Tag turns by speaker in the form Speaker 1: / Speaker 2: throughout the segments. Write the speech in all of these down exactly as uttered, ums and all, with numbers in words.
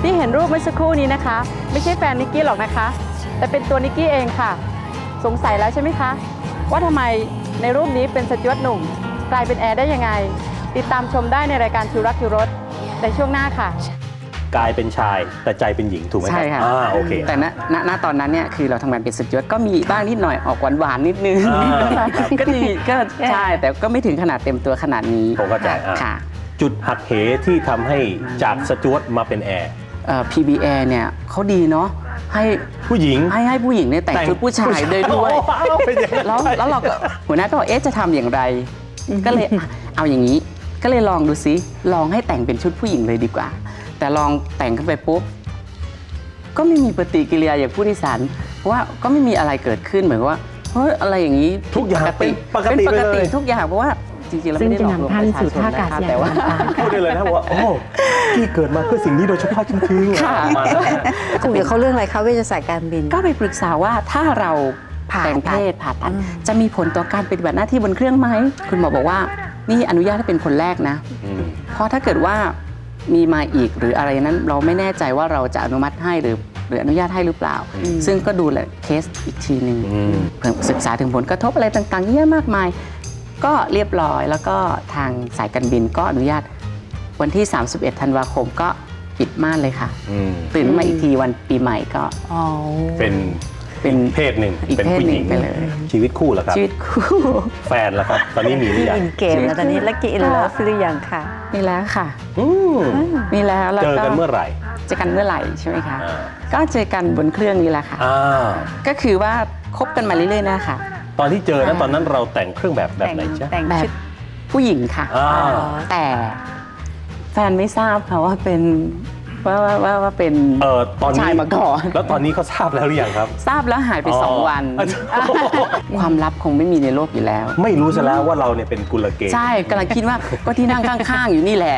Speaker 1: ที่เห็นรูปเมื่อสักครู่นี้นะคะไม่ใช่แฟนนิกกี้หรอกนะคะแต่เป็นตัวนิกกี้เองค่ะสงสัยแล้วใช่ไหมคะว่าทำไมในรูปนี้เป็นสจ๊วตหนุ่มกลายเป็นแอร์ได้ยังไงติดตามชมได้ในรายการคิวรักคิวรสในช่วงหน้าค่ะ
Speaker 2: กลายเป็นชายแต่ใจเป็นหญิงถูกไหมครับ
Speaker 3: ใช่ค่ะ
Speaker 2: อ่าโอเค
Speaker 3: แต่ณณณตอนนั้นเนี่ยคือเราทำงานเป็นสจ๊วตก็มีบ้างนิดหน่อยออกหวานหวานๆนิดนึง
Speaker 2: อ่า
Speaker 3: ก็ดีก็ใช่แต่ก็ไม่ถึงขนาดเต็มตัวขนาดนี้
Speaker 2: ผมเข้าใจอ่ะ
Speaker 3: ค่ะ
Speaker 2: จุดหักเหที่ทำให้จากสจ๊วตมาเป็นแอร์
Speaker 3: เอ่อ พี บี เอ เนี่ยเขาดีเนาะให้
Speaker 2: ผู้หญิง
Speaker 3: ให้ให้ผู้หญิงเนี่ยแต่งชุดผู้ชายด้วยด้วย
Speaker 2: โอ้เป็นอย่างนั้น
Speaker 3: แล้วแล้วเราก็หัวหน้าก็บอกเอ๊ะจะทำอย่างไร ก็เลยอ่ะเอาอย่างนี้ก็เลยลองดูซิลองให้แต่งเป็นชุดผู้หญิงเลยดีกว่า แต่ลองแต่งขึ้นไปปุ๊บก็ไม่มีปฏิกิริยาอย่างผู้โดยสารเพราะว่าก็ไม่มีอะไรเกิดขึ้นเหมือนว่าเฮ้ยอะไรอย่างนี้
Speaker 2: ทุกอย่างเป็นปก
Speaker 3: เป็น
Speaker 2: ติ
Speaker 3: ป
Speaker 2: ไป
Speaker 3: ก
Speaker 2: เล
Speaker 3: ติ
Speaker 2: ย
Speaker 3: ทุกอย่างเพราะว่าจริงๆแล้ว
Speaker 4: ซึ่ง
Speaker 3: ไม่ได้
Speaker 4: จะ
Speaker 3: หลอกลวง
Speaker 4: นำท่าน
Speaker 3: ประชา
Speaker 4: สู่
Speaker 3: ชน
Speaker 4: ท่าอากาศ
Speaker 3: นะคะ
Speaker 4: ยาน
Speaker 3: แต่ว่า
Speaker 4: ต่างๆ
Speaker 2: พูดได้เลยนะว่าโอ้ที่เกิดมาเพื่อสิ่งนี้โดยเฉพาะจริงๆ
Speaker 3: ค่ะ
Speaker 2: มา
Speaker 4: คุยกับเขาเรื่องอะไรคะเวชศาสตร์การบิน
Speaker 3: ก็ไปปรึกษาว่าถ้าเรา
Speaker 4: ผ่า
Speaker 3: แต่ง
Speaker 4: ตั
Speaker 3: เพ
Speaker 4: ด
Speaker 3: ศผ่าตัด
Speaker 4: อืม
Speaker 3: จะมีผลต่อการปฏิบัติหน้าที่บนเครื่องไหมคุณหมอบอกว่านี่อนุญาตให้เป็นคนแรกนะ
Speaker 2: อืม
Speaker 3: เพราะถ้าเกิดว่ามีมาอีกหรืออะไรนั้นเราไม่แน่ใจว่าเราจะอนุมัติให้หรือหรืออนุญาตให้หรือเปล่า ซึ่งก็ดูแลเคสอีกทีหนึ่ง
Speaker 2: อืม
Speaker 3: เพื่อศึกษาถึงผลกระทบอะไรต่างๆเยอะมากมาย ก็เรียบร้อยแล้วก็ทางสายการบินก็อนุญาตวันที่ สามสิบเอ็ด ธันวาคมก็ปิดม่านเลยค่ะ
Speaker 2: อืม
Speaker 3: ตื่นมาอีกทีวันปีใหม่ก็
Speaker 4: อ๋อ
Speaker 2: เป็น
Speaker 3: เป็น
Speaker 2: เพศหนึ่ง
Speaker 3: อีก
Speaker 2: เป็น
Speaker 3: เพศ
Speaker 2: ผู้
Speaker 3: ห
Speaker 2: ห
Speaker 3: นึ่
Speaker 2: ญิ
Speaker 3: ง
Speaker 2: ง
Speaker 3: ไปเลย
Speaker 2: ชีวิตคู่เหรอครับ
Speaker 3: ชีวิตคู่
Speaker 2: แฟนแล้วครับ ตอนนี้มีหรือยัง
Speaker 4: อินเกมแล้วตอนนี้แล้วกินแล้วหรือยังค่ะ
Speaker 3: มีแล้วค่ะ
Speaker 2: อืม
Speaker 3: มีแล้วแล้ว
Speaker 2: เจอกันเมื่อไหร่
Speaker 3: เจอกันเมื่อไหร่ใช่ไหมคะ
Speaker 2: อ่า
Speaker 3: ก็เจอกันบนเครื่องนี้แหละค่ะ
Speaker 2: อ่า
Speaker 3: ก็คือว่าคบกันมาเรื่อยๆนะคะ
Speaker 2: ตอนที่เจอนั้นตอนนั้นเราแต่งเครื่องแบบแบบไหนจ๊ะ
Speaker 4: แต่ง
Speaker 3: แบ
Speaker 4: ชุ
Speaker 3: บ
Speaker 4: ด
Speaker 3: ผู้หญิงค่ะ
Speaker 2: อ่า
Speaker 3: แต่แฟนไม่ทราบค่ะว่าเป็นว่าว่าว่าว่าเป็น
Speaker 2: เออตอนนี้
Speaker 3: ชายมาก่อน
Speaker 2: แล้วตอนนี้เขาทราบแล้วหรือยังครับ
Speaker 3: ทราบแล้วหายไปสองวัน
Speaker 2: อ๋อ
Speaker 3: ความลับคงไม่มีในโลกอยู่แล้ว
Speaker 2: ไม่รู้ซะแล้วว่าเราเนี่ยเป็นกุลเกย์
Speaker 3: ใช่กำลังคิดว่าก็ที่นั่งข้างๆ อยู่นี่แหละ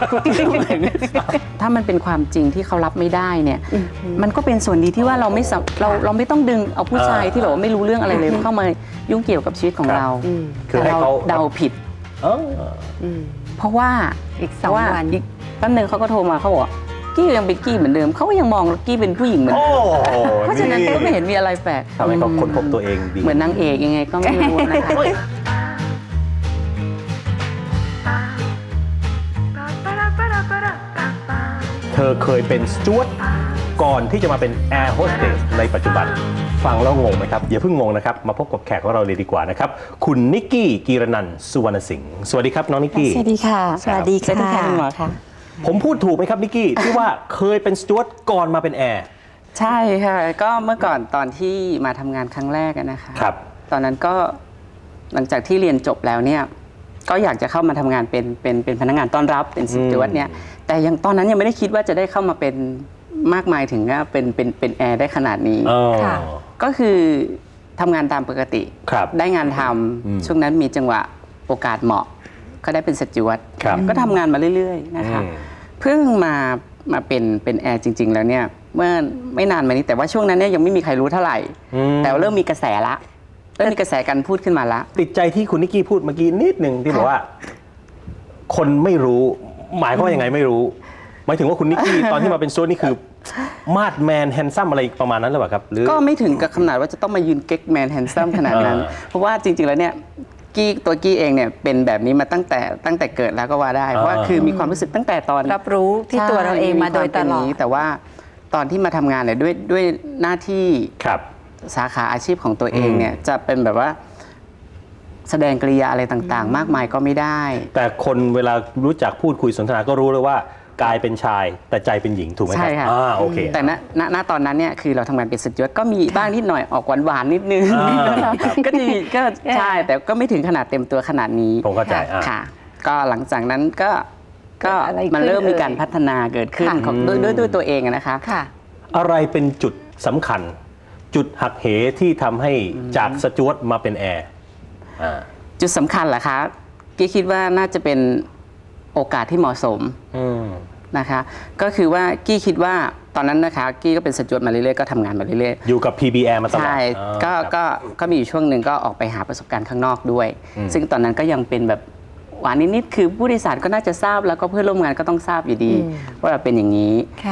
Speaker 3: ถ้ามันเป็นความจริงที่เขารับไม่ได้เนี่ย มันก็เป็นส่วนดีที่ว่าเราไม่สะเราเราไม่ต้องดึงเอาผู้ชายที่แบบว่าไม่รู้เรื่องอะไรเลยเข้ามายุ่งเกี่ยวกับชีวิตของเรา
Speaker 4: อืม
Speaker 2: คือ
Speaker 3: แต่
Speaker 2: ให้
Speaker 3: เรา
Speaker 2: เขา
Speaker 3: เดาผิด
Speaker 2: เออ
Speaker 4: อืม
Speaker 3: เพราะว่า
Speaker 4: อีกส
Speaker 3: เพ
Speaker 4: อง
Speaker 3: ราะว่า
Speaker 4: วัน
Speaker 3: อีกแป๊บนึงเขาก็โทรมาเขาบอกว่ากี้ยังเป็นกี้เหมือนเดิมเขาก็ยังมองกี้เป็นผู้หญิงเหมือน
Speaker 2: โอ้
Speaker 3: เดิมเพราะฉะนั้นก็ไม่เห็นมีอะไรแปลก
Speaker 2: ทำให้เขาค้นพบตัวเองดี
Speaker 3: เหมือนนางเอกยังไงก็ไม่รู้นะคะ
Speaker 2: เธอเคยเป็นสจ๊วตก่อนที่จะมาเป็นแอร์โฮสเตสในปัจจุบัน ฟังแล้วงงไหมครับ อย่าเพิ่งงงนะครับ มาพบกับแขกของเราเลยดีกว่านะครับ คุณนิกกี้กีรนันท์สุวรรณสิงห์สวัสดีครับน้องนิกกี้
Speaker 4: สวัสดีค่ะ สวัสดี
Speaker 3: สวัสดี
Speaker 4: ค่ะ
Speaker 3: ค่ะคุณหมอค่ะ
Speaker 2: ผมพูดถูกไหมครับนิกกี้ ที่ว่าเคยเป็นสจ๊วตก่อนมาเป็นแอร์
Speaker 3: ใช่ค่ะก็เมื่อก่อนตอนที่มาทำงานครั้งแรกอะนะคะ
Speaker 2: ครับ
Speaker 3: ตอนนั้นก็หลังจากที่เรียนจบแล้วเนี่ยก็อยากจะเข้ามาทำงานเป็นเป็นเป็นพนักงานต้อนรับเป็นสจ๊วตเนี่ยแต่ยังตอนนั้นยังไม่ได้คิดว่าจะได้เข้ามาเป็นมากมายถึงว่าเป็นเป็นเป็นแอร์ได้ขนาดนี้
Speaker 2: เออ
Speaker 4: ค่ะ
Speaker 3: ก็คือทำงานตามปกติ
Speaker 2: ครับ
Speaker 3: ได้งานท
Speaker 2: อืม
Speaker 3: ำช่วงนั้นมีจังหวะโอกาสเหมาะ ก็ได้เป็นสจ๊วต
Speaker 2: ครับ
Speaker 3: ก็ทำงานมาเรื่อยๆนะคะ
Speaker 2: อืม
Speaker 3: เพิ่งมามาเป็นเป็นแอร์จริง ๆ แล้วเนี่ยเมื่อไม่นานมานี้แต่ว่าช่วงนั้นเนี่ยยังไม่มีใครรู้เท่าไหร่
Speaker 2: อืม
Speaker 3: แต่ว่าเริ่มมีกระแสละเริ่มมีกระแสการพูดขึ้นมาละ
Speaker 2: ติดใจที่คุณนิกกี้พูดเมื่อกี้นิดหนึ่งที่บอกว่า คนไม่รู้ หมายความว่ายังไงไม่รู้ หมายถึงว่าคุณนิกกี้ ตอนที่มาเป็นสจ๊วตนี่คือมาดแมนแฮนซัมอะไรประมาณนั้นหรือเปล่าครับหรือ
Speaker 3: ก็ไม่ถึงกับขนาดว่าจะต้องมายืนเก๊กแมนแฮนซัมขนาดนั้น
Speaker 2: อ่า
Speaker 3: เพราะว่าจริง ๆ แล้วเนี่ยกี้ตัวกี้เองเนี่ยเป็นแบบนี้มาตั้งแต่ตั้งแต่เกิดแล้วก็ว่าได้ เพราะว่า
Speaker 2: อ่า
Speaker 3: คือมีความรู้สึกตั้งแต่ตอน
Speaker 4: รับรู้ที่ตัวเราเองมาโดยตลอด
Speaker 3: ใช่มีความเป็นย่งนี้แต่ว่าตอนที่มาทำงานเนี่ยด้วยด้วยหน้าที่
Speaker 2: ครับ
Speaker 3: สาขาอาชีพของตัวเองเนี่ยจะเป็นแบบว่าแสดงกริยาอะไรต่างๆ มากมายก็ไม่ได้
Speaker 2: แต่คนเวลารู้จักพูดคุยสนทนาก็รู้เลยว่ากายเป็นชายแต่ใจเป็นหญิงถูกไหมครับ
Speaker 3: ใช่ค่ะ
Speaker 2: อ่าโอเค
Speaker 3: แต่ณณณตอนนั้นเนี่ยคือเราทำงานเป็นสจ๊วตก็มีบ้างนิดหน่อยออกหวานหวานๆนิดนึง
Speaker 2: อ่าครับ
Speaker 3: ก็ดีก็ใช่แต่ก็ไม่ถึงขนาดเต็มตัวขนาดนี้
Speaker 2: ผมเข้าใจอ่า
Speaker 3: ค่ะ ก็หลังจากนั้นก็ก็
Speaker 4: เกิดอะไรขึ้น
Speaker 3: มันเริ่มมีการ
Speaker 4: เอ่ย
Speaker 3: พัฒนาเกิดขึ้น
Speaker 4: ค่ะ
Speaker 3: ของด้วยด้วยด้วยตัวเองอะนะคะ
Speaker 4: ค่ะ
Speaker 2: อะไรเป็นจุดสำคัญ จุดหักเหที่ทำให้จากสจ๊วตมาเป็นแอร์อ่า
Speaker 3: จุดสำคัญเหรอคะกี้คิดว่าน่าจะเป็นโอกาสที่เหมาะสม
Speaker 2: อืม
Speaker 3: นะคะก็คือว่ากี้คิดว่าตอนนั้นนะคะกี้ก็เป็นสจ๊วตมาเรื่อยๆก็ทำงานมาเรื่อย
Speaker 2: อยู่กับ พี บี แอร์ มา
Speaker 3: ๆ
Speaker 2: ตลอด
Speaker 3: ใช่
Speaker 2: อ่า
Speaker 3: ก็
Speaker 2: ครับ
Speaker 3: ก็ก็มีอยู่ช่วงหนึ่งก็ออกไปหาประสบการณ์ข้างนอกด้วย
Speaker 2: อืม
Speaker 3: ซึ่งตอนนั้นก็ยังเป็นแบบหวานนิดๆคือผู้โดยสารก็น่าจะทราบแล้วก็เพื่อนร่วมงานก็ต้องทราบอยู่ดี
Speaker 4: อืม
Speaker 3: ว่าเราเป็นอย่างนี้
Speaker 4: ค่ะ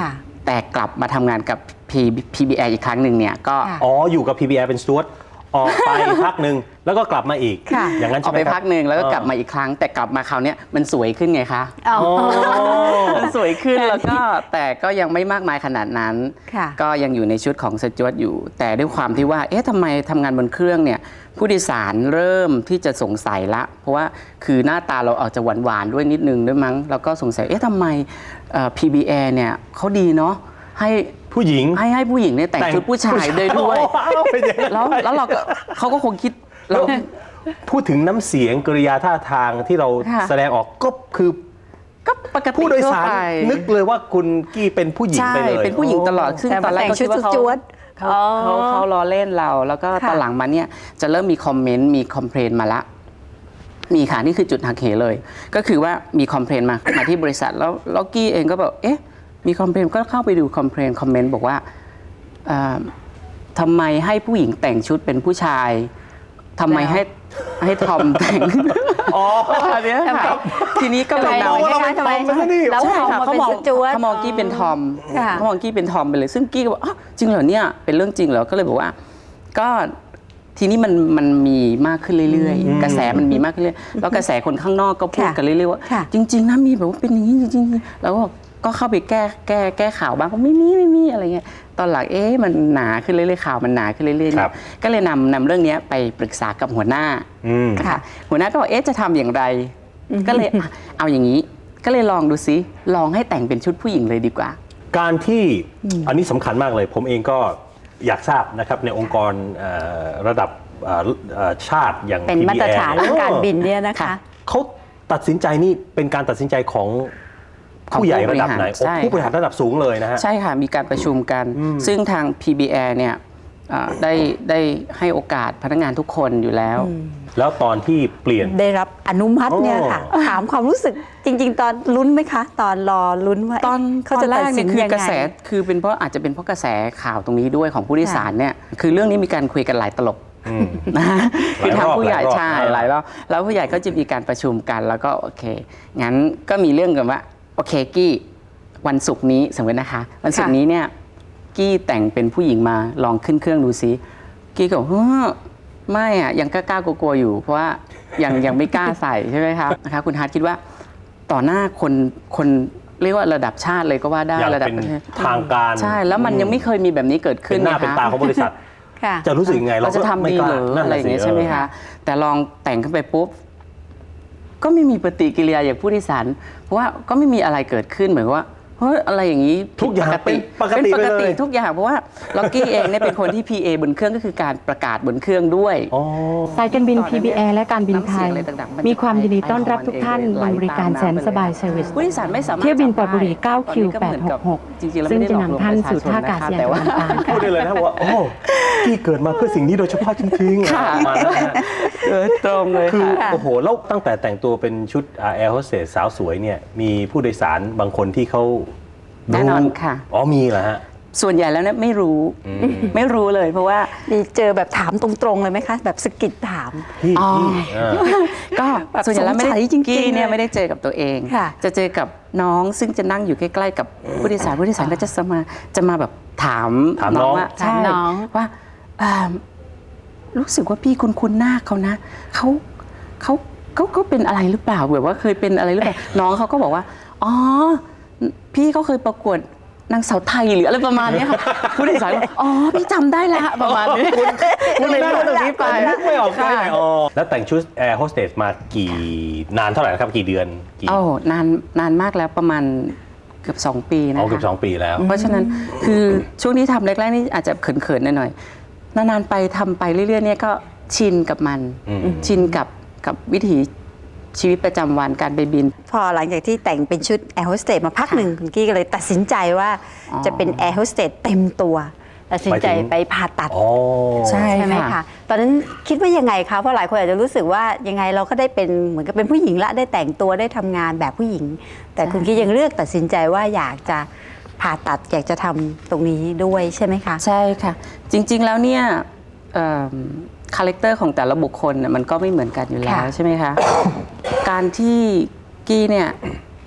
Speaker 3: แต่กลับมาทำงานกับ พี บี แอ อีกครั้งหนึ่งเนี่ยก็
Speaker 4: ค่ะ
Speaker 2: อ๋ออยู่กับ พี บี แอ เป็นสจ๊วตออกไป พักหนึ่งแล้วก็กลับมาอีก
Speaker 4: ค่ะ
Speaker 2: อย่างนั้น
Speaker 3: ออ
Speaker 2: ใช่
Speaker 3: ก
Speaker 2: ไหม
Speaker 3: ไป
Speaker 2: ครับ
Speaker 3: พักหนึ่งแล้วก็กลับมาอีกครั้ง แต่กลับมาคราวเนี้ยมันสวยขึ้นไงคะ
Speaker 4: อ๋อ
Speaker 3: มันสวยขึ้นแล้วก็แต่ก็ยังไม่มากมายขนาดนั้น
Speaker 4: ค่ะ
Speaker 3: ก็ยังอยู่ในชุดของสจ๊วตอยู่ แต่ด้วยความที่ว่าเอ๊ะทำไมทำงานบนเครื่องเนี่ยผู้โดยสารเริ่มที่จะสงสัยละ เพราะว่าคือหน้าตาเราอาจจะหวานๆด้วยนิดนึงด้วยมั้งแล้วก็สงสัยเอ๊ะทำไมเอ่อ พี บี แอ เนี่ยเขาดีเนาะให้
Speaker 2: ผู้หญิง
Speaker 3: ให้ให้ผู้หญิงเนี่ยแต่งชุดผู้ชายได้ด้วย
Speaker 2: โอ้าวเป็นอย่างนั้น
Speaker 3: แล้วแล้วเราก็เขาก็คงคิดแล้ว
Speaker 2: พูดถึงน้ำเสียงกริยาท่าทางที่เรา
Speaker 3: ค่ะ
Speaker 2: แสดงออกก็คือ
Speaker 3: ก็ปกติ
Speaker 2: ผู้โดยสาร
Speaker 3: ทั่วไป
Speaker 2: นึกเลยว่าคุณกี้เป็นผู้หญิง
Speaker 3: ใช่
Speaker 2: ไปเลย
Speaker 3: เป็นผู้หญิงตลอดซึ่ง
Speaker 4: แต่
Speaker 3: ตอนแรก
Speaker 4: แต่ง
Speaker 3: ก็
Speaker 4: ชุ
Speaker 3: คิ
Speaker 4: ด
Speaker 3: ดว่าเขา
Speaker 4: จวด
Speaker 3: เขา
Speaker 4: อ๋อ
Speaker 3: เขาเขาล้อเล่นเรา แล้วก็
Speaker 4: ค่ะ
Speaker 3: ตอนหลังมาเนี่ยจะเริ่มมีคอมเมนต์มีคอมเพลนมาละ มีค่ะนี่คือจุดหักเหเลย ก็คือว่ามีคอมเพลนมา มาที่บริษัทแล้วแล้วกี้เองก็แบบเอ๊ะมีคอมเพลนก็เข้าไปดูคอมเพลนคอมเมนต์บอกว่าเอ่อทำไมให้ผู้หญิงแต่งชุดเป็นผู้ชายทำไมให้ให้ทอมแต่ง
Speaker 2: อ๋อ
Speaker 3: อันเนี้ยค่ะทีนี้ก็
Speaker 4: ทำ
Speaker 3: เล
Speaker 4: ไม
Speaker 3: ยเดา
Speaker 2: เราเป็น
Speaker 4: ทำไม
Speaker 2: ทอมซะนี่
Speaker 4: แล้ว
Speaker 3: ใช่
Speaker 4: ทอม
Speaker 3: ค่ะ
Speaker 4: มา
Speaker 3: เขา
Speaker 4: เป็น
Speaker 3: มอง
Speaker 4: ชุดจวด
Speaker 3: เขามองกี้เป็นทอม
Speaker 4: ค่ะ
Speaker 3: เขามองกี้เป็นทอมไปเลย ซึ่งกี้ก็บอกอ้าวจริงเหรอเนี่ยเป็นเรื่องจริงเหรอก็เลยบอกว่า ก็ทีนี้มันมันมีมากขึ้นเรื่อยๆ กระแสมันมีมากขึ้นเรื่อยๆแล้วกระแสคนข้างนอกก็พูด
Speaker 4: ค่ะ
Speaker 3: กันเรื่อยๆว่า
Speaker 4: ค่ะ
Speaker 3: จริง ๆนะมีแบบว่าเป็นอย่างนี้จริงๆแล้วก็ก็เข้าไปแก้แก้แก้ข่าวบ้างก็ไม่มีไม่มีอะไรเงี้ยตอนหลังเอ๊ะมันหนาขึ้นเรื่อยๆข่าวมันหนาขึ้นเรื่อยๆ
Speaker 2: ค
Speaker 3: เนี่
Speaker 2: รั
Speaker 3: ย
Speaker 2: บ
Speaker 3: ก็เลยนำนำเรื่องเนี้ยไปปรึกษากับหัวหน้า
Speaker 2: อืม
Speaker 3: ค่ะหัวหน้าก็บอกเอ๊ะจะทำอย่างไร ก็เลยอ่ะเอาอย่างนี้ ก็เลยลองดูซิลองให้แต่งเป็นชุดผู้หญิงเลยดีกว่า
Speaker 2: การที่อันนี้สำคัญมากเลย ผมเองก็อยากทราบนะครับในองค์กรเอ่อระดับเอ่อเอ่อชาติอย่าง
Speaker 4: เป็น
Speaker 2: พี
Speaker 4: มา
Speaker 2: บี
Speaker 4: ตร
Speaker 2: แอ
Speaker 4: ฐานเรื่องการบินเนี่ยนะคะ
Speaker 2: เขาตัดสินใจนี่เป็นการตัดสินใจของผู้ใหญ่ระดับไหน
Speaker 3: ใช่
Speaker 2: โอ้ผู้บริหารระดับสูงเลยนะฮะ
Speaker 3: ใช่ค่ะ มีการประชุมกัน ซึ่งทาง พี บี แอ เนี่ยเอ่อได้ได้ให้โอกาสพนักงานทุกคนอยู่แล้ว
Speaker 2: แล้วตอนที่เปลี่ยน
Speaker 4: ได้รับอนุมัติเนี่ยค่ะ
Speaker 2: โอ้
Speaker 4: ถามความรู้สึกจริง ๆ ตอนลุ้นไหมคะ ตอนรอลุ้นว่า
Speaker 3: ตอน
Speaker 4: เขา
Speaker 3: ตอ
Speaker 4: จะ
Speaker 3: นแร
Speaker 4: ตัด
Speaker 3: ก
Speaker 4: สิ
Speaker 3: เนี่ย
Speaker 4: น
Speaker 3: คือ
Speaker 4: ยัง
Speaker 3: กระแส
Speaker 4: ไง
Speaker 3: คือเป็นเพราะอาจจะเป็นเพราะกระแสข่าวตรงนี้ด้วยของผู้โดยสารเนี่ยคือเรื่องนี้มีการคุยกันหลายตลบ
Speaker 2: อืม
Speaker 3: นะคือทางผู้ใหญ่
Speaker 2: หลายรอบ
Speaker 3: ใช่
Speaker 2: ห
Speaker 3: ห
Speaker 2: ลา
Speaker 3: ลาย ย
Speaker 2: ร
Speaker 3: ร
Speaker 2: อ
Speaker 3: อบ บแล้วผู้ใหญ่ก็จะมีการประชุมกันแล้วก็โอเคงั้นก็มีเรื่องกันว่าโอเคกี้วันศุกร์นี้สมมตินะคะ วันศุกร์นี้เนี่ยกี้แต่งเป็นผู้หญิงมาลองขึ้นเครื่องดูซิกี้ก็บอกเฮ้อไม่อะยังกล้าๆกลัวๆอยู่ เพราะว่ายังยังไม่กล้าใส่ใช่ไหมคะนะคะคุณฮาร์ดคิดว่าต่อหน้าคนคนเรียกว่าระดับชาติเลยก็ว่าได้
Speaker 2: อย่าง
Speaker 3: ระดับ
Speaker 2: เป็น
Speaker 3: ประเทศ
Speaker 2: ทางการ
Speaker 3: ใช่แล้วมันยังไม่เคยมีแบบนี้เกิดขึ้
Speaker 2: เป็น นหน้า
Speaker 3: ไงคะ
Speaker 2: เป็นตาของบริษัท
Speaker 4: ค่ะ
Speaker 2: จะรู้สึกยังไง
Speaker 3: เราจะ
Speaker 2: ก็
Speaker 3: ทำ
Speaker 2: ม่
Speaker 3: ดี
Speaker 2: กล้า
Speaker 3: หรือ
Speaker 2: นั่น
Speaker 3: อะไร
Speaker 2: น่ะ
Speaker 3: อย่างเงี้ย
Speaker 2: สิ
Speaker 3: ใช่ไหม
Speaker 2: เออ
Speaker 3: คะ แต่ลองแต่งขึ้นไปปุ๊บ ก็ไม่มีปฏิกิริยาอย่างผู้โดยสารเพราะว่าก็ไม่มีอะไรเกิดขึ้นเหมือนว่าเฮ้ยอะไรอย่างนี้ผิด
Speaker 2: ทุกอย่าง
Speaker 3: ปกติ
Speaker 2: เป็นปกติ
Speaker 3: เป็นปกติ
Speaker 2: ไปเลย
Speaker 3: ทุกอย่างเพราะว่าล็อกกี้เองเนี่ยเป็นคนที่ พี เอ บนเครื่องก็คือการประกาศบนเครื่องด้วย
Speaker 2: อ๋อ
Speaker 1: สายการบิน พี บี แอ และการบินไทย
Speaker 3: น้ำเสียงอะไรต่างๆมันจะ
Speaker 1: มีความยินดีต้อนรับทุกท่านบนบริการแสนสบายเซอร์วิส
Speaker 3: ผู้โดยสารไม่สามารถ
Speaker 1: เที่ยวบินปอดบุรี
Speaker 3: จับได้
Speaker 1: เก้าคิว
Speaker 3: ตอนนี้ก็เหมือนกับ
Speaker 1: แปดหกหก
Speaker 3: จริงๆแล้ว
Speaker 1: ซึ่ง
Speaker 3: ไม่ได้
Speaker 1: จะ
Speaker 3: หลอกลวง
Speaker 1: นำท่านสู่
Speaker 3: ประชาชน
Speaker 1: ท่าอากาศยาน
Speaker 3: แต่ว่า
Speaker 1: ต่างๆ
Speaker 2: พูดได้เลยนะว่าโอ้กี้เกิดมาเพื่อสิ่งนี้โดยเฉพาะจริงๆ
Speaker 3: ค่ะ
Speaker 2: ประมาณนั้นนะฮะ
Speaker 3: เออตรงเลย
Speaker 2: คือ
Speaker 3: ค่ะ
Speaker 2: โอ้โหแล้วตั้งแต่แต่งตัวเป็นชุดแอร์โฮสเตสสาวสวยเนี่ยมีผู้โดยสารบางคนที่เขา
Speaker 3: แน่นอนค่ะ
Speaker 2: อ๋อมีเหรอฮะ
Speaker 3: ส่วนใหญ่แล้วเนี่ยไม่รู้
Speaker 2: อืม
Speaker 3: ไม่รู้เลยเพราะว่า
Speaker 4: มีเจอแบบถามตรงๆเลยไหมคะ แบบสะกิดถาม
Speaker 2: พี่
Speaker 3: อ๋อ
Speaker 2: พี่เออ
Speaker 3: ก็
Speaker 4: แบบ
Speaker 3: ส่วนใหญ่แล้วไม่ได้
Speaker 4: สงสัยจริงๆ
Speaker 3: กี้เนี่ย
Speaker 4: เลย
Speaker 3: ไม่ได้เจอกับตัวเอง
Speaker 4: ค่ะ
Speaker 3: จะเจอกับน้องซึ่งจะนั่งอยู่ใกล้ๆกับผู้โดยสารผู้โดยสารก็จะมาจะมาแบบถาม
Speaker 2: ถามน้อง
Speaker 3: ว่า
Speaker 4: ถาม
Speaker 3: ใช่
Speaker 4: น้อง
Speaker 3: ว่าอ่ารู้สึกว่าพี่คุ้นๆหน้าเขานะเขาเขาเขาก็เป็นอะไรหรือเปล่าแบบว่าเคยเป็นอะไรหรือเปล่า น้องเขาก็บอกว่าอ๋อพี่เขาเคยประกวดนางสาวไทยหรืออะไรประมาณเนี้ยค่ะผู้โดยสารบอกอ๋อพี่จำได้ละประมาณนี้
Speaker 2: คุณ
Speaker 3: เลย
Speaker 2: หน้า
Speaker 3: พูดตรงนี้ไป
Speaker 2: นึกไม่ออกได้
Speaker 3: ค่ะ
Speaker 2: ไงอ๋อแล้วแต่งชุดแอร์โฮสเตสมากี่นานเท่าไหร่นะครับกี่เดือนกี่
Speaker 3: โอ้นานนานมากแล้วประมาณเกือบสองปีนะ
Speaker 2: อ๋อ
Speaker 3: คะ
Speaker 2: เกือบสองปีแล้ว
Speaker 3: เพราะฉะนั้นคือช่วงนี้ทำแรกๆนี่อาจจะเขินๆหน่อยๆนานๆไปทำไปเรื่อยๆเนี่ยก็ชินกับมัน
Speaker 2: อืม
Speaker 3: ชินกับกับวิถีชีวิตประจำวันการไปบิน
Speaker 4: พอหลังจากที่แต่งเป็นชุดแอร์โฮสเตสมาพักหนึ่งคุณกี้ก็เลยตัดสินใจว่า
Speaker 3: อ๋อ
Speaker 4: จะเป็นแอร์โฮสเตสเต็มตัวตัดสินใจ
Speaker 2: หมายถึง
Speaker 4: ไปผ่าตัด
Speaker 2: อ๋อ
Speaker 3: ใช่
Speaker 4: ใช่ไหม
Speaker 3: ค่ะ
Speaker 4: คะ ตอนนั้นคิดว่ายังไงคะ เพราะหลายคนอาจจะรู้สึกว่ายังไงเราก็ได้เป็นเหมือนกับเป็นผู้หญิงละได้แต่งตัวได้ทำงานแบบผู้หญิง แต่คุณกี้ยังเลือกตัดสินใจว่าอยากจะผ่าตัดอยากจะทำตรงนี้ด้วยใช่ไหมคะ
Speaker 3: ใช่ค่ะ จริงๆแล้วเนี่ยคาแรคเตอร์ของแต่ละบุคคลน่ะมันก็ไม่เหมือนกันอยู่แล้ว
Speaker 4: ค่ะ
Speaker 3: ใช่ไหมคะ การที่กี้เนี่ย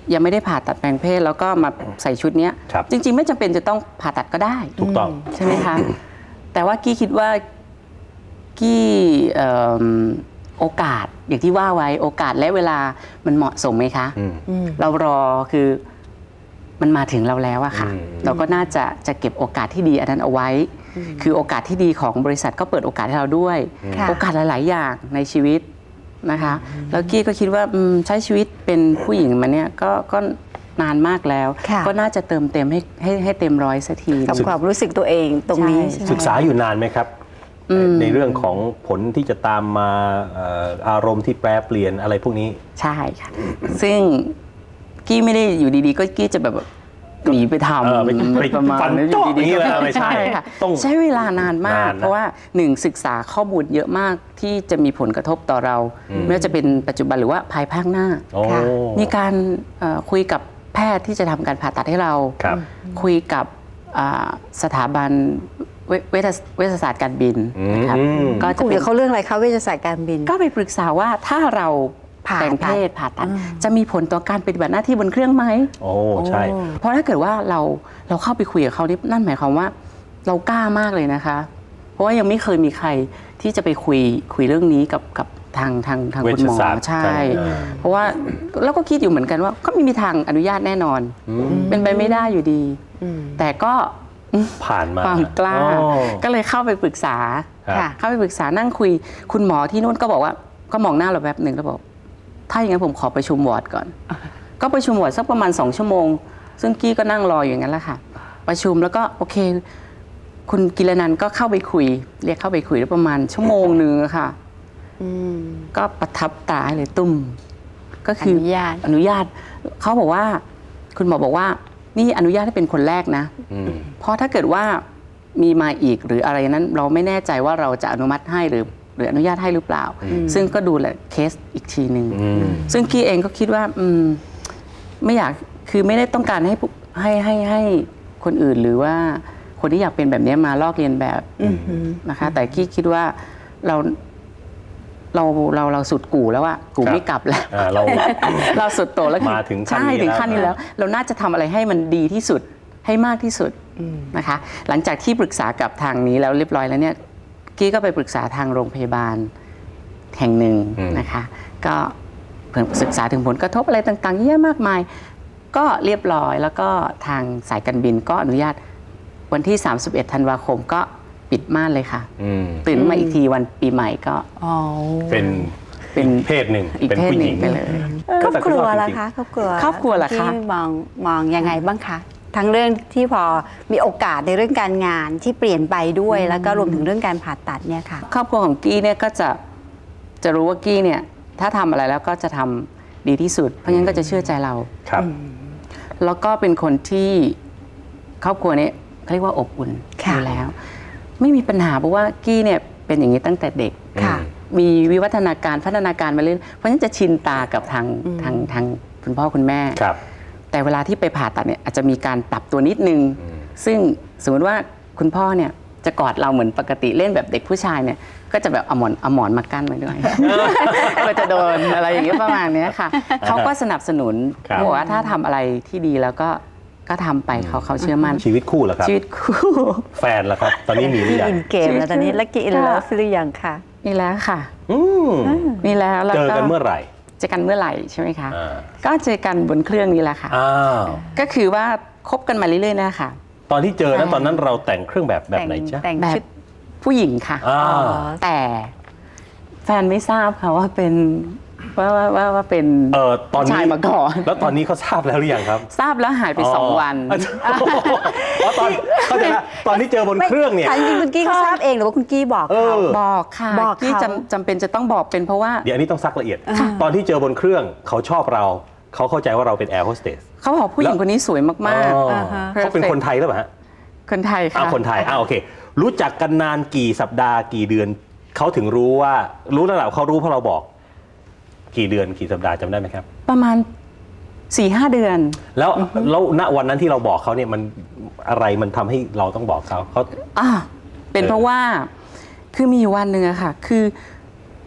Speaker 3: ยังไม่ได้ผ่าตัดแปลงเพศแล้วก็มาใส่ชุดเนี้ย
Speaker 2: ครับ
Speaker 3: จริง ๆ ไม่จำเป็นจะต้องผ่าตัดก็ได้
Speaker 2: ถูกต้อง
Speaker 3: ใช่ไหมคะ แต่ว่ากี้คิดว่ากี้เอิ่มโอกาสอย่างที่ว่าไว้โอกาสและเวลามันเหมาะสมไหมคะ
Speaker 2: อืม
Speaker 3: เรารอคือมันมาถึงเราแล้วอะค่ะ
Speaker 2: อืม
Speaker 3: เราก็น่าจะจะเก็บโอกาสที่ดีอันนั้นเอาไว้ คือโอกาสที่ดีของบริษัทก็เปิดโอกาสให้เราด้วย
Speaker 4: ค่ะ
Speaker 3: โอกาสหลาย ๆ อย่างในชีวิตนะคะ แล้วกี้ก็คิดว่าอืมใช้ชีวิตเป็นผู้หญิงมาเนี่ยก็ก็นานมากแล้ว
Speaker 4: ค่ะ
Speaker 3: ก็น่าจะเติมเต็มให้ให้ให้เต็มร้อยสักที
Speaker 4: กับความรู้สึกตัวเองตรงนี้
Speaker 3: ใช่
Speaker 4: ใช่ไหม
Speaker 2: ศึกษาอยู่นานไหมครับ
Speaker 3: อืม
Speaker 2: ในเรื่องของผลที่จะตามมาเอ่ออารมณ์ที่แปรเปลี่ยนอะไรพวกนี้
Speaker 3: ใช่ค่ะ ซึ่งกี้ไม่ได้อยู่ดีๆ ก็กี้จะแบบหนีไปท
Speaker 2: เออไปไป
Speaker 3: ำประมาณ
Speaker 2: ฟัน
Speaker 3: นั้น
Speaker 2: โจ๊ะ
Speaker 3: อยู่ดี
Speaker 2: อย่างนี้
Speaker 3: ๆ
Speaker 2: เลยไม่ใช่
Speaker 3: ค่ะ
Speaker 2: ต้อง
Speaker 3: ใช้เวลานานมาก
Speaker 2: นานนะ
Speaker 3: เพราะว่าหนึ่งศึกษาข้อมูลเยอะมากที่จะมีผลกระทบต่อเรา ไม่ว่าจะเป็นปัจจุบันหรือว่าภายภาคหน้า
Speaker 2: โอ้
Speaker 4: ค่ะ
Speaker 3: มีการเอ่อคุยกับแพทย์ที่จะทำการผ่าตัดให้เรา
Speaker 2: ครับ
Speaker 3: คุยกับอ่าสถาบันเวเวชเวชศาสตร์การบินนะครับ
Speaker 2: อืม
Speaker 3: ก็จะ
Speaker 4: คุย
Speaker 3: เป็
Speaker 4: กัน บเขาเรื่องอะไรคะเวชศาสตร์การบิน
Speaker 3: ก็ไปปรึกษาว่าถ้าเรา
Speaker 4: ผ่า
Speaker 3: แต่งเพศผ่าตัดจะมีผลต่อการปฏิบัติหน้าที่บนเครื่องไหม
Speaker 2: โอ้ใช่
Speaker 3: เพราะถ้าเกิดว่าเราเราเข้าไปคุยกับเขานี่นั่นหมายความว่าเรากล้ามากเลยนะคะ เพราะว่ายังไม่เคยมีใครที่จะไปคุยคุยเรื่องนี้กับกับทางทางทางคุณหมอ
Speaker 2: เวชศาสตร์
Speaker 3: ใช่
Speaker 2: ใช่
Speaker 3: เพราะว่าเราก็คิดอยู่เหมือนกันว่า ก็ไม่มีทางอนุญาตแน่นอน เป็นไปไม่ได้อยู่ดี แต่ก็
Speaker 2: ผ่านมา
Speaker 3: ความกล้า
Speaker 2: โอ้
Speaker 3: ก็เลยเข้าไปปรึกษา
Speaker 2: ครับ
Speaker 3: ค่ะเข้าไปปรึกษานั่งคุย คุณหมอที่นู่นก็บอกว่าก็มองหน้าเราแป๊บหนึ่งแล้วบอกถ้าอย่างนั้นผมขอประชุมวอร์ดก่อน ก็ประชุมวอร์ดสักประมาณสองชั่วโมง ซึ่งกี้ก็นั่งรออยู่อย่างนั้นแหละค่ะ ประชุมแล้วก็โอเค คุณกิรนันท์ก็เข้าไปคุย เรียกเข้าไปคุยแล้วประมาณชั่วโมงหนึ่งอะค่ะ
Speaker 4: อืม
Speaker 3: ก็ประทับตาเลยตุ้ม ก็คือ
Speaker 4: อนุญาต
Speaker 3: อนุญาตเขาบอกว่า คุณหมอบอกว่า นี่อนุญาตให้เป็นคนแรกนะ
Speaker 2: อืม
Speaker 3: เพราะถ้าเกิดว่ามีมาอีกหรืออะไรนั้น เราไม่แน่ใจว่าเราจะอนุมัติให้หรือหรืออนุญาตให้หรือเปล่า ซึ่งก็ดูแลเคสอีกทีหนึ่ง
Speaker 2: อืม
Speaker 3: ซึ่งกี้เองก็คิดว่าอืมไม่อยากคือไม่ได้ต้องการให้ผู้ให้ให้ให้คนอื่นหรือว่าคนที่อยากเป็นแบบนี้มาลอกเลียนแบบนะคะ แต่กี้คิดว่าเราเราเราเราสุดกู่แล้วอะกู่
Speaker 2: ครับ
Speaker 3: ไม่กลับแล้ว
Speaker 2: อ่าเรา
Speaker 3: เราสุดโต่งแล้วคือ
Speaker 2: มาถึงขั้น
Speaker 3: ใช่
Speaker 2: นี้
Speaker 3: ถึง
Speaker 2: แล้ว
Speaker 3: ขั้นนี้แล้ว เราน่าจะทำอะไรให้มันดีที่สุดให้มากที่สุดนะคะ หลังจากที่ปรึกษากับทางนี้แล้วเรียบร้อยแล้วเนี่ยกี้ก็ไปปรึกษาทางโรงพยาบาลแห่งหนึ่ง
Speaker 2: อืม
Speaker 3: นะคะ ก็เพิ่งศึกษาถึงผลกระทบอะไรต่างๆเยอะมากมาย ก็เรียบร้อยแล้วก็ทางสายการบินก็อนุญาตวันที่ สามสิบเอ็ด ธันวาคมก็ปิดม่านเลยค่ะ
Speaker 2: อืม
Speaker 3: ตื่นมาอีกทีวันปีใหม่ก็
Speaker 4: อ๋อ
Speaker 2: เป็น
Speaker 3: เป็น
Speaker 2: เพศหนึ่ง
Speaker 3: อีก
Speaker 2: เป็น
Speaker 3: เพศ
Speaker 2: ผู้
Speaker 3: ห
Speaker 2: ห
Speaker 3: นึ่
Speaker 2: ญิ
Speaker 3: ง
Speaker 2: ง
Speaker 3: ไปเลย
Speaker 4: ครอบครัว
Speaker 2: แต่ก็ชอบ
Speaker 4: ล่ะ
Speaker 2: จริงๆ
Speaker 4: คะครอบครัว
Speaker 3: ครอบครัวล่ะคะ
Speaker 4: ที่มองมองยังไงบ้างคะทั้งเรื่องที่พอมีโอกาสในเรื่องการงานที่เปลี่ยนไปด้วย แล้วก็รวมถึงเรื่องการผ่าตัดเนี่ยค่ะ
Speaker 3: ครอบครัวของกี้เนี่ยก็จะจะรู้ว่ากี้เนี่ยถ้าทำอะไรแล้วก็จะทำดีที่สุด เพราะงั้นก็จะเชื่อใจเรา
Speaker 2: ครับ
Speaker 3: แล้วก็เป็นคนที่ครอบครัวเนี่ยเขาเรียกว่าอบอุ่น
Speaker 4: ค่ะ
Speaker 3: อยู่แล้ว ไม่มีปัญหาเพราะว่ากี้เนี่ยเป็นอย่างนี้ตั้งแต่เด็ก
Speaker 4: ค่ะ
Speaker 3: มีวิวัฒนาการพัฒนาการมาเรื่อยเพราะฉะนั้นจะชินตากับทางทางทางคุณพ่อคุณแม่
Speaker 2: ครับ
Speaker 3: แต่เวลาที่ไปผ่าตัดเนี่ยอาจจะมีการปรับตัวนิดนึง ซึ่งสมมติว่าคุณพ่อเนี่ยจะกอดเราเหมือนปกติเล่นแบบเด็กผู้ชายเนี่ยก็จะแบบเอาหมอนเอาหมอนมากั้นไว้ด้วย ก็จะโดนอะไรอย่างเงี้ยประมาณเนี้ยค่ะ เขาก็สนับสนุน
Speaker 2: ครับ
Speaker 3: บอกว่าถ้าทำอะไรที่ดีแล้วก็ก็ทำไปเขาเขาเชื่อมั่น
Speaker 2: ชีวิตคู่เหรอครับ
Speaker 3: ชีวิตคู่
Speaker 2: แฟนล่ะครับ ตอนนี้มีหรือ
Speaker 4: ที่
Speaker 2: ยัง
Speaker 4: อินเกมแล้วตอนนี้แล้วกี่อิน
Speaker 3: ค่ะ
Speaker 4: เลิฟหรือยังคะ
Speaker 3: นี่แล้วค่ะ
Speaker 2: อืม
Speaker 3: นี่แล้วแล้ว
Speaker 2: เจอกันเมื่อไหร่
Speaker 3: เจอกันเมื่อไหร่ใช่ไหมคะ
Speaker 2: อ่า
Speaker 3: ก็เจอกันบนเครื่องนี้แหละค่ะ
Speaker 2: อ้าว
Speaker 3: ก็คือว่าคบกันมาเรื่อยๆนะคะ
Speaker 2: ตอนที่เจอนั้น
Speaker 3: ใช่
Speaker 2: ตอนนั้นเราแต่งเครื่องแบบแบบไหนจ๊ะ
Speaker 4: แต่ง
Speaker 3: แบบ
Speaker 4: ชุด
Speaker 3: ผู้หญิงค่ะ
Speaker 2: อ่า
Speaker 4: อ๋อ
Speaker 3: แต่แฟนไม่ทราบค่ะว่าเป็นว่าว่าว่าว่าเป็น
Speaker 2: เออตอนนี้
Speaker 3: ชายมาก่อน
Speaker 2: แล้วตอนนี้เขาทราบแล้วหรือยังครับ
Speaker 3: ทราบแล้วหายไปสองวัน
Speaker 2: อ๋ออ๋อตอนเข้าใจละตอนที่เจอบนเครื่องเนี่ย
Speaker 4: ถามจริงๆคุณกี้เขาทราบเองหรือว่าคุณกี้บอก
Speaker 2: เอ
Speaker 4: เขา
Speaker 2: อ
Speaker 3: บอกค่ะ
Speaker 4: บอก
Speaker 3: ที่
Speaker 4: เขา
Speaker 3: จำจำเป็นจะต้องบอกเป็นเพราะว่า
Speaker 2: เดี๋ยวอันนี้ต้องซักละเอียด ตอนที่เจอบนเครื่องเขาชอบเรา เขาเข้าใจว่าเราเป็นแอร์โฮสเตส
Speaker 3: เขาบอกผู้หญิงคนนี้สวยมาก
Speaker 2: อ๋อ
Speaker 4: อ่าฮะ
Speaker 2: เขาเป็นคนไทยหรือเปล่าฮะ
Speaker 3: ๆ คนไทยค่ะ
Speaker 2: อ้าวคนไทยอ้าวโอเค รู้จักกันนานกี่สัปดาห์กี่เดือน เขาถึงรู้ว่ารู้ระดับเขารู้เพราะเราบอก กี่เดือนกี่สัปดาห์จำได้ไหมครับ
Speaker 3: ประมาณสี่ห้าเดือน
Speaker 2: แล้วแล้วณวันนั้นที่เราบอกเขาเนี่ยมันอะไรมันทำให้เราต้องบอกเขาเขา
Speaker 3: อ่าเป็นเพราะว่าคือมีอยู่วันหนึ่งอะค่ะ คือ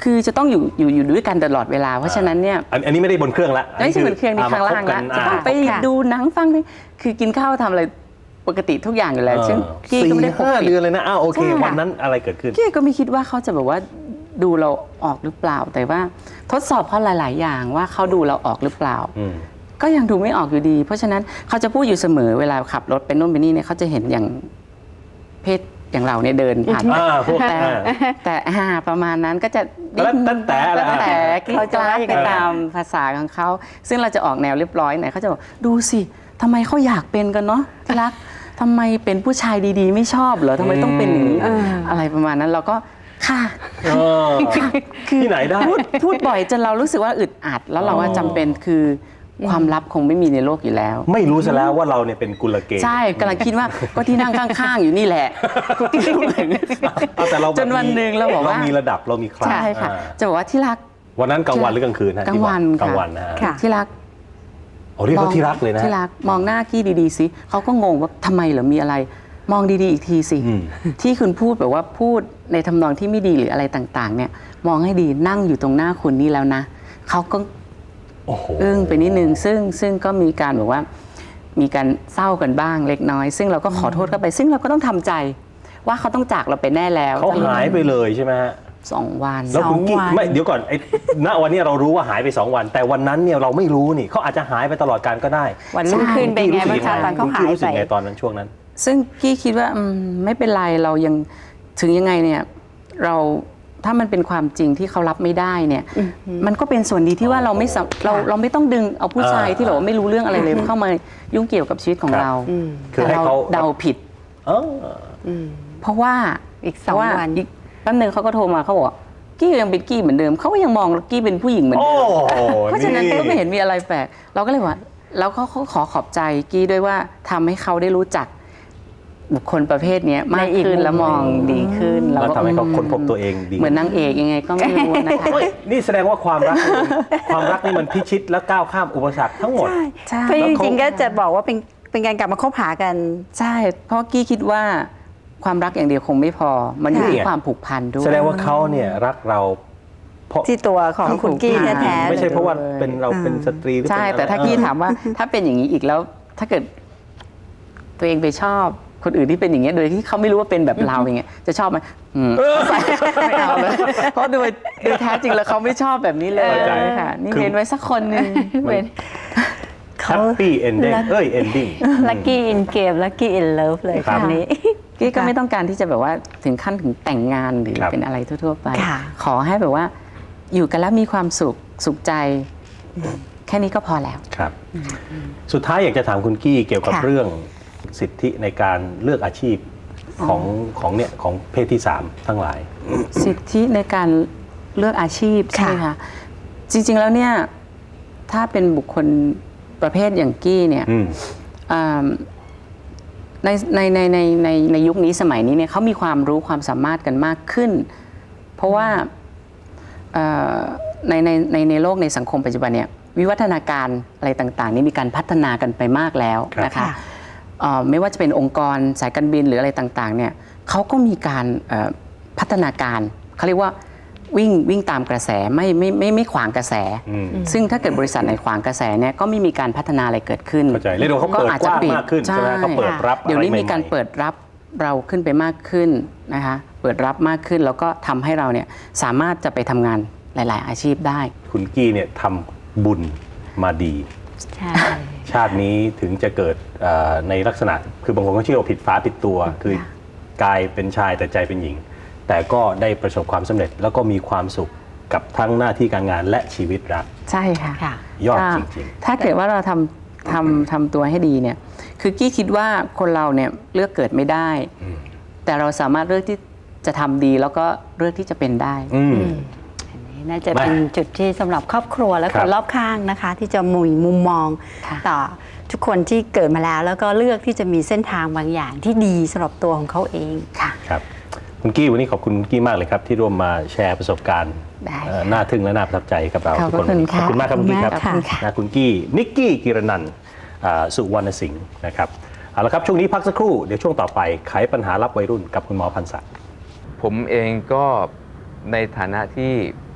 Speaker 3: คือจะต้องอยู่อยู่อยู่ด้วยกันตลอดเวลาเพราะฉะนั้นเนี่ย
Speaker 2: อันอันนี้ไม่ได้บนเครื่องละ
Speaker 3: ไม่ใช่เหมือนเครื่องนี้ข้างล่างละจะต้องไป
Speaker 4: ค่ะ
Speaker 3: ดูหนังฟังเพลงคือกินข้าวทำอะไรปกติทุกอย่างอยู่แล้วซึ่งกี้ก็ไม่ได้ปก
Speaker 2: สี่ห้า
Speaker 3: ปิด
Speaker 2: เดือนเลยนะอ้าวโอเค
Speaker 3: ใช่ค่ะ
Speaker 2: วันนั้นอะไรเกิดขึ้น
Speaker 3: กี้ก็ไม่คิดว่าเขาจะแบบว่าดูเราออกหรือเปล่า แต่ว่าทดสอบเขาหลาย ๆ อย่างว่าเขาดูเราออกหรือเปล่า
Speaker 2: อืม
Speaker 3: ก็ยังดูไม่ออกอยู่ดี เพราะฉะนั้นเขาจะพูดอยู่เสมอเวลาขับรถไปโน่นไปนี่เนี่ยเขาจะเห็นอย่างเพศอย่างเราเนี่ยเดินผ่านไป
Speaker 2: อ่าพวก
Speaker 3: แต่
Speaker 2: อ่า
Speaker 3: แต่อ่าประมาณนั้นก็จะ
Speaker 2: แล้วตั้งแต่อะไร
Speaker 3: ตั้งแต่ก
Speaker 4: เขา
Speaker 3: ล้า
Speaker 4: จะว่ายังไง
Speaker 3: ไปตามภาษาของเขาซึ่งเราจะออกแนวเรียบร้อยหน่อยเขาจะบอกดูสิทำไมเขาอยากเป็นกันเนาะที่รักทำไมเป็นผู้ชายดีๆ ไม่ชอบเหรอทำไมต้องเป็นอย่างนี้
Speaker 4: อืม
Speaker 3: อะไรประมาณนั้นเราก็ค่ะ
Speaker 2: เออที่ไหนได้
Speaker 3: พูดพูดบ่อยจนเรารู้สึกว่าอึดอัด แล้วเราว่าจำเป็นคือความลับคงไม่มีในโลกอยู่แล้ว
Speaker 2: ไม่รู้ซะแล้วว่าเราเนี่ยเป็นกุลเกย์
Speaker 3: ใช่กำลังคิดว่าก็ที่นั่งข้างๆ อยู่นี่แหละ
Speaker 2: เอาแต่เรา
Speaker 3: จนวันหนึ่งเราบอกว่า
Speaker 2: เรามีระดับเรามีคลาส
Speaker 3: ใช่ค่ะ
Speaker 2: อ่า
Speaker 3: จะบอกว่าที่รัก
Speaker 2: วันนั้นกลางวันหรือกลางคืนฮะ
Speaker 3: กลางวัน
Speaker 2: ที่บอกกลาง
Speaker 3: ค่ะ
Speaker 2: วันนะฮะ
Speaker 4: ค่ะ
Speaker 3: ที่รัก
Speaker 2: โอ้เรียกเขาที่รักเลยนะ
Speaker 3: ที่รักมองหน้ากี้ดีๆสิเขาก็งงว่าทำไมเหรอมีอะไร มองดีๆอีกทีสิ
Speaker 2: อืม
Speaker 3: ที่คุณพูดแบบว่าพูดในทำนองที่ไม่ดีหรืออะไรต่างๆ เนี่ย มองให้ดีนั่งอยู่ตรงหน้าคุณนี่แล้วนะเขาก็
Speaker 2: โอ้โห
Speaker 3: อึ้งไปนิดนึงซึ่งซึ่งก็มีการแบบว่ามีการเศร้ากันบ้างเล็กน้อย ซึ่งเราก็ขอโทษเข้าไป ซึ่งเราก็ต้องทำใจ ว่าเขาต้องจากเราไปแน่แล้ว
Speaker 2: เขาหายไปเลยใช่ไหมฮะ
Speaker 3: สองวัน
Speaker 2: แล้วคุณกิ๊ก
Speaker 4: สองวัน
Speaker 2: ไม่เดี๋ยวก่อนไอ้ณวันนี้เรารู้ว่าหายไปสองวัน แต่วันนั้นเนี่ยเราไม่รู้นี่เขาอาจจะหายไปตลอดการก็ได้
Speaker 4: วันรุ่งขึ้นเป็นไงบ้างคะตอนเขา
Speaker 2: คุณ
Speaker 4: หา
Speaker 2: กิ๊ก
Speaker 4: ย
Speaker 2: รู้สึ
Speaker 4: ไป
Speaker 2: กไงตอนนั้นช่วงนั้น
Speaker 3: ซึ่งกี้คิดว่าอืมไม่เป็นไรเรายังถึงยังไงเนี่ยเราถ้ามันเป็นความจริงที่เขารับไม่ได้เนี่ยมันก็เป็นส่วนดีที่ว่าเราไม่สำเราเราไม่ต้องดึงเอาผู้ชาย
Speaker 2: อ่า
Speaker 3: ที่แบบว่าไม่รู้เรื่องอะไรเลยเข้ามายุ่งเกี่ยวกับชีวิตของ
Speaker 2: ครับ
Speaker 3: เรา
Speaker 2: คือ
Speaker 3: แต่
Speaker 2: ให้
Speaker 3: เรา
Speaker 2: เขา
Speaker 3: เดาผิด
Speaker 2: เออ
Speaker 3: เพราะว่า
Speaker 4: อีกสอง
Speaker 3: เพราะา
Speaker 4: วัน
Speaker 3: อีกแป๊บนึงเขาก็โทรมาเขาบอกกี้ยังเป็นกี้เหมือนเดิมเขาก็ยังมองกี้เป็นผู้หญิงเหมือน
Speaker 2: โอ้
Speaker 3: เดิม
Speaker 2: โห
Speaker 3: เพราะฉะนั้นก็ไม่เห็นมีอะไรแปลกเราก็เลยว่าแล้วเขาเขาขอขอบใจกี้ด้วยว่าทำให้เขาได้รู้จักบุคคลประเภทเนี้ยมาก
Speaker 4: ในอีก
Speaker 3: ขึ้น
Speaker 4: มุม
Speaker 3: แล้วมองดีขึ้น
Speaker 2: แล้ว
Speaker 3: ก็
Speaker 2: ทำให้เขาค้นพบตัวเองดี
Speaker 3: เหมือนนางเอกยังไงก็ไม่รู้นะคะ
Speaker 2: เฮ้ยนี่แสดงว่าความรักนี่ความรักนี่มันพิชิตและก้าวข้ามอุปสรรคทั้งหมด
Speaker 3: ใช่
Speaker 4: เพราะจริงๆก็จะบอกว่าเป็นเป็นการกลับมาคบหากัน
Speaker 3: ใช่ เพราะกี้คิดว่าความรักอย่างเดียวคงไม่พอ มันอยู่ที่
Speaker 2: ค่ะ
Speaker 3: ความผูกพันด้วย
Speaker 2: แสดงว่าเขาเนี่ยรักเราเพราะ
Speaker 4: ที่ตัวของคุณกี้แท้ๆ
Speaker 2: ไม่ใช่
Speaker 4: เลย
Speaker 2: เพราะว่าเป็นเราเป็นสตรีหรือ
Speaker 3: ใช่
Speaker 2: เป็นอะไร
Speaker 3: แต่ถ้ากี้ถามว่า ถ้าเป็นอย่างนี้อีกแล้ว ถ้าเกิดตัวเองไปชอบคนอื่นที่เป็นอย่างเงี้ยโดยที่เขาไม่รู้ว่าเป็นแบบเราอย่างเงี้ยจะชอบไหมอืมไม่เอาเลยเพราะโดยโดยแท้จริงแล้วเขาไม่ชอบแบบนี้เลย
Speaker 2: เข้าใจ
Speaker 3: ค่ะ นี่เว้นไว้สักคนหนึ่ง
Speaker 4: เว้น
Speaker 2: แฮปปี้เอนดิ้งเอ้ยเอนดิ้ง
Speaker 4: ลัคกี้อินเกมลัคกี้อินเลิฟเลย
Speaker 2: ครั
Speaker 4: ค
Speaker 2: บ
Speaker 4: นนี้
Speaker 3: กี้ก็ไม่ต้องการที่จะแบบว่าถึงขั้นถึงแต่งงานหรือ
Speaker 2: ครับ
Speaker 3: เป็นอะไรทั่วๆไป
Speaker 4: ค่ะ
Speaker 3: ขอให้แบบว่า อยู่กันแล้วมีความสุขสุขใจ แค่นี้ก็พอแล้ว
Speaker 2: ครับ สุดท้ายอยากจะถามคุณกี้เกี่ยวกับ
Speaker 4: ค่ะ
Speaker 2: เรื่องสิทธิในการเลือกอาชีพของของเนี่ยของเพศที่สามทั้งหลาย
Speaker 3: สิทธิในการเลือกอาชีพใช่ไหมคะจริงๆแล้วเนี่ยถ้าเป็นบุคคลประเภทอย่างกี้เนี่ย
Speaker 2: อืม
Speaker 3: อ่าในในในในในในยุคนี้สมัยนี้เนี่ยเขามีความรู้ความสามารถกันมากขึ้น เพราะว่าเอ่อในในในในโลกในสังคมปัจจุบันเนี่ยวิวัฒนาการอะไรต่างๆ นี่มีการพัฒนากันไปมากแล้ว
Speaker 2: ครับ
Speaker 3: นะคะ
Speaker 4: ค่ะ
Speaker 3: เอ่อไม่ว่าจะเป็นองค์กรสายการบินหรืออะไรต่างๆเนี่ยเขาก็มีการเอ่อพัฒนาการเขาเรียกว่าวิ่งวิ่งตามกระแสไม่ไม่ไม่ไม่ขวางกระแส
Speaker 2: อืม
Speaker 3: ซึ่งถ้าเกิดบริษัทไหนขวางกระแสเนี่ยก็ไม่มีการพัฒนาอะไรเกิดขึ้น
Speaker 2: เข้าใจเรียกว่าเขาเปิดกว้างมากขึ้นใช่ไหมเขาเปิดรับอะไร
Speaker 3: เดี๋ยวนี้มี
Speaker 2: ใหม่ๆ
Speaker 3: การเปิดรับเราขึ้นไปมากขึ้นนะคะเปิดรับมากขึ้นแล้วก็ทำให้เราเนี่ยสามารถจะไปทำงานหลาย ๆ อาชีพได้
Speaker 2: คุณกี้เนี่ยทำบุญมาดี
Speaker 4: ใช่
Speaker 2: ชาตินี้ถึงจะเกิดเอ่อในลักษณะ คือบางคนก็เชื่อว่าผิดฟ้าผิดตัว คือกายเป็นชายแต่ใจเป็นหญิง แต่ก็ได้ประสบความสำเร็จแล้วก็มีความสุขกับทั้งหน้าที่การงานและชีวิตรัก
Speaker 3: ใช่ค่ะ
Speaker 4: ค่ะ
Speaker 2: ยอด
Speaker 3: ถ้า
Speaker 2: จริง
Speaker 3: ถ้าเกิดว่าเราทำทำทำตัวให้ดีเนี่ยคือกี้คิดว่าคนเราเนี่ยเลือกเกิดไม่ได้
Speaker 2: อืม
Speaker 3: แต่เราสามารถเลือกที่จะทำดีแล้วก็เลือกที่จะเป็นได้
Speaker 2: ๆ อืม
Speaker 4: อันนี้น่าจะเป็นจุดที่สำหรับครอบครัวและ
Speaker 2: ค
Speaker 4: ครับ นรอบข้างนะคะ ที่จะมุยมุมมอง
Speaker 3: ค่ะ
Speaker 4: ต่อทุกคนที่เกิดมาแล้ว แล้วก็เลือกที่จะมีเส้นทางบางอย่างที่ดีสำหรับตัวของเขาเองค่ะ
Speaker 2: ครับคุณกี้วันนี้ขอบคุณคุณกี้มากเลยครับ ที่ร่วมมาแชร์ประสบการณ์
Speaker 3: ได้
Speaker 2: เอ่อน่าทึ่งและน่าประทับใจกับเรา
Speaker 3: ขอบ
Speaker 2: ทุกคน
Speaker 3: คุณค่ะ
Speaker 2: ขอบคุณมากครับคุณกี้ครับ
Speaker 4: ขอบคุณค่ะ
Speaker 2: นะคุณกี้นิกกี้กิรนันท์อ่าสุวรรณสิงห์นะครับเอาละครับช่วงนี้พักสักครู่เดี๋ยวช่วงต่อไปไขปัญหารับวัยรุ่นกับคุณหมอพันศักดิ์
Speaker 5: ผมเองก็ในฐานะที่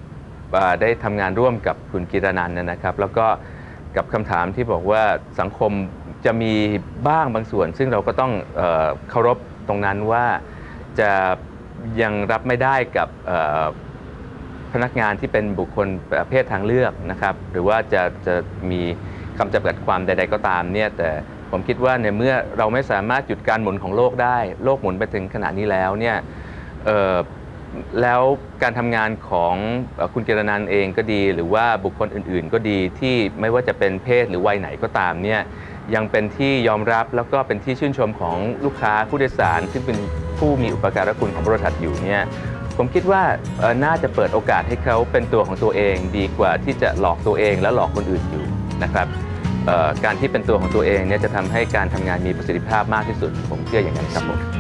Speaker 5: อ่าได้ทำงานร่วมกับคุณกีรนันท์นะครับแล้วก็กับคำถามที่บอกว่าสังคมจะมีบ้างบางส่วน ซึ่งเราก็ต้องเอ่อเคารพตรงนั้นว่าจะยังรับไม่ได้กับเอ่อพนักงานที่เป็นบุคคลประเภททางเลือกนะครับหรือว่าจะจะมีคำจำกัดความใดๆก็ตามเนี่ยแต่ผมคิดว่าในเมื่อเราไม่สามารถหยุดการหมุนของโลกได้โลกหมุนไปถึงขนาดนี้แล้วเนี่ยเอ่อแล้วการทำงานของเอ่อคุณกีรนันท์เองก็ดี หรือว่าบุคคลอื่นๆก็ดีที่ไม่ว่าจะเป็นเพศหรือวัยไหนก็ตามเนี่ยยังเป็นที่ยอมรับแล้วก็เป็นที่ชื่นชมของลูกค้าผู้โดยสารซึ่งเป็นผู้มีอุปการะคุณของบริษัทอยู่เนี่ยผมคิดว่าเอ่อน่าจะเปิดโอกาสให้เขาเป็นตัวของตัวเองดีกว่าที่จะหลอกตัวเองและหลอกคนอื่นอยู่นะครับเอ่อการที่เป็นตัวของตัวเองเนี่ยจะทำให้การทำงานมีประสิทธิภาพมากที่สุดผมเชื่ออย่างนั้นครับผม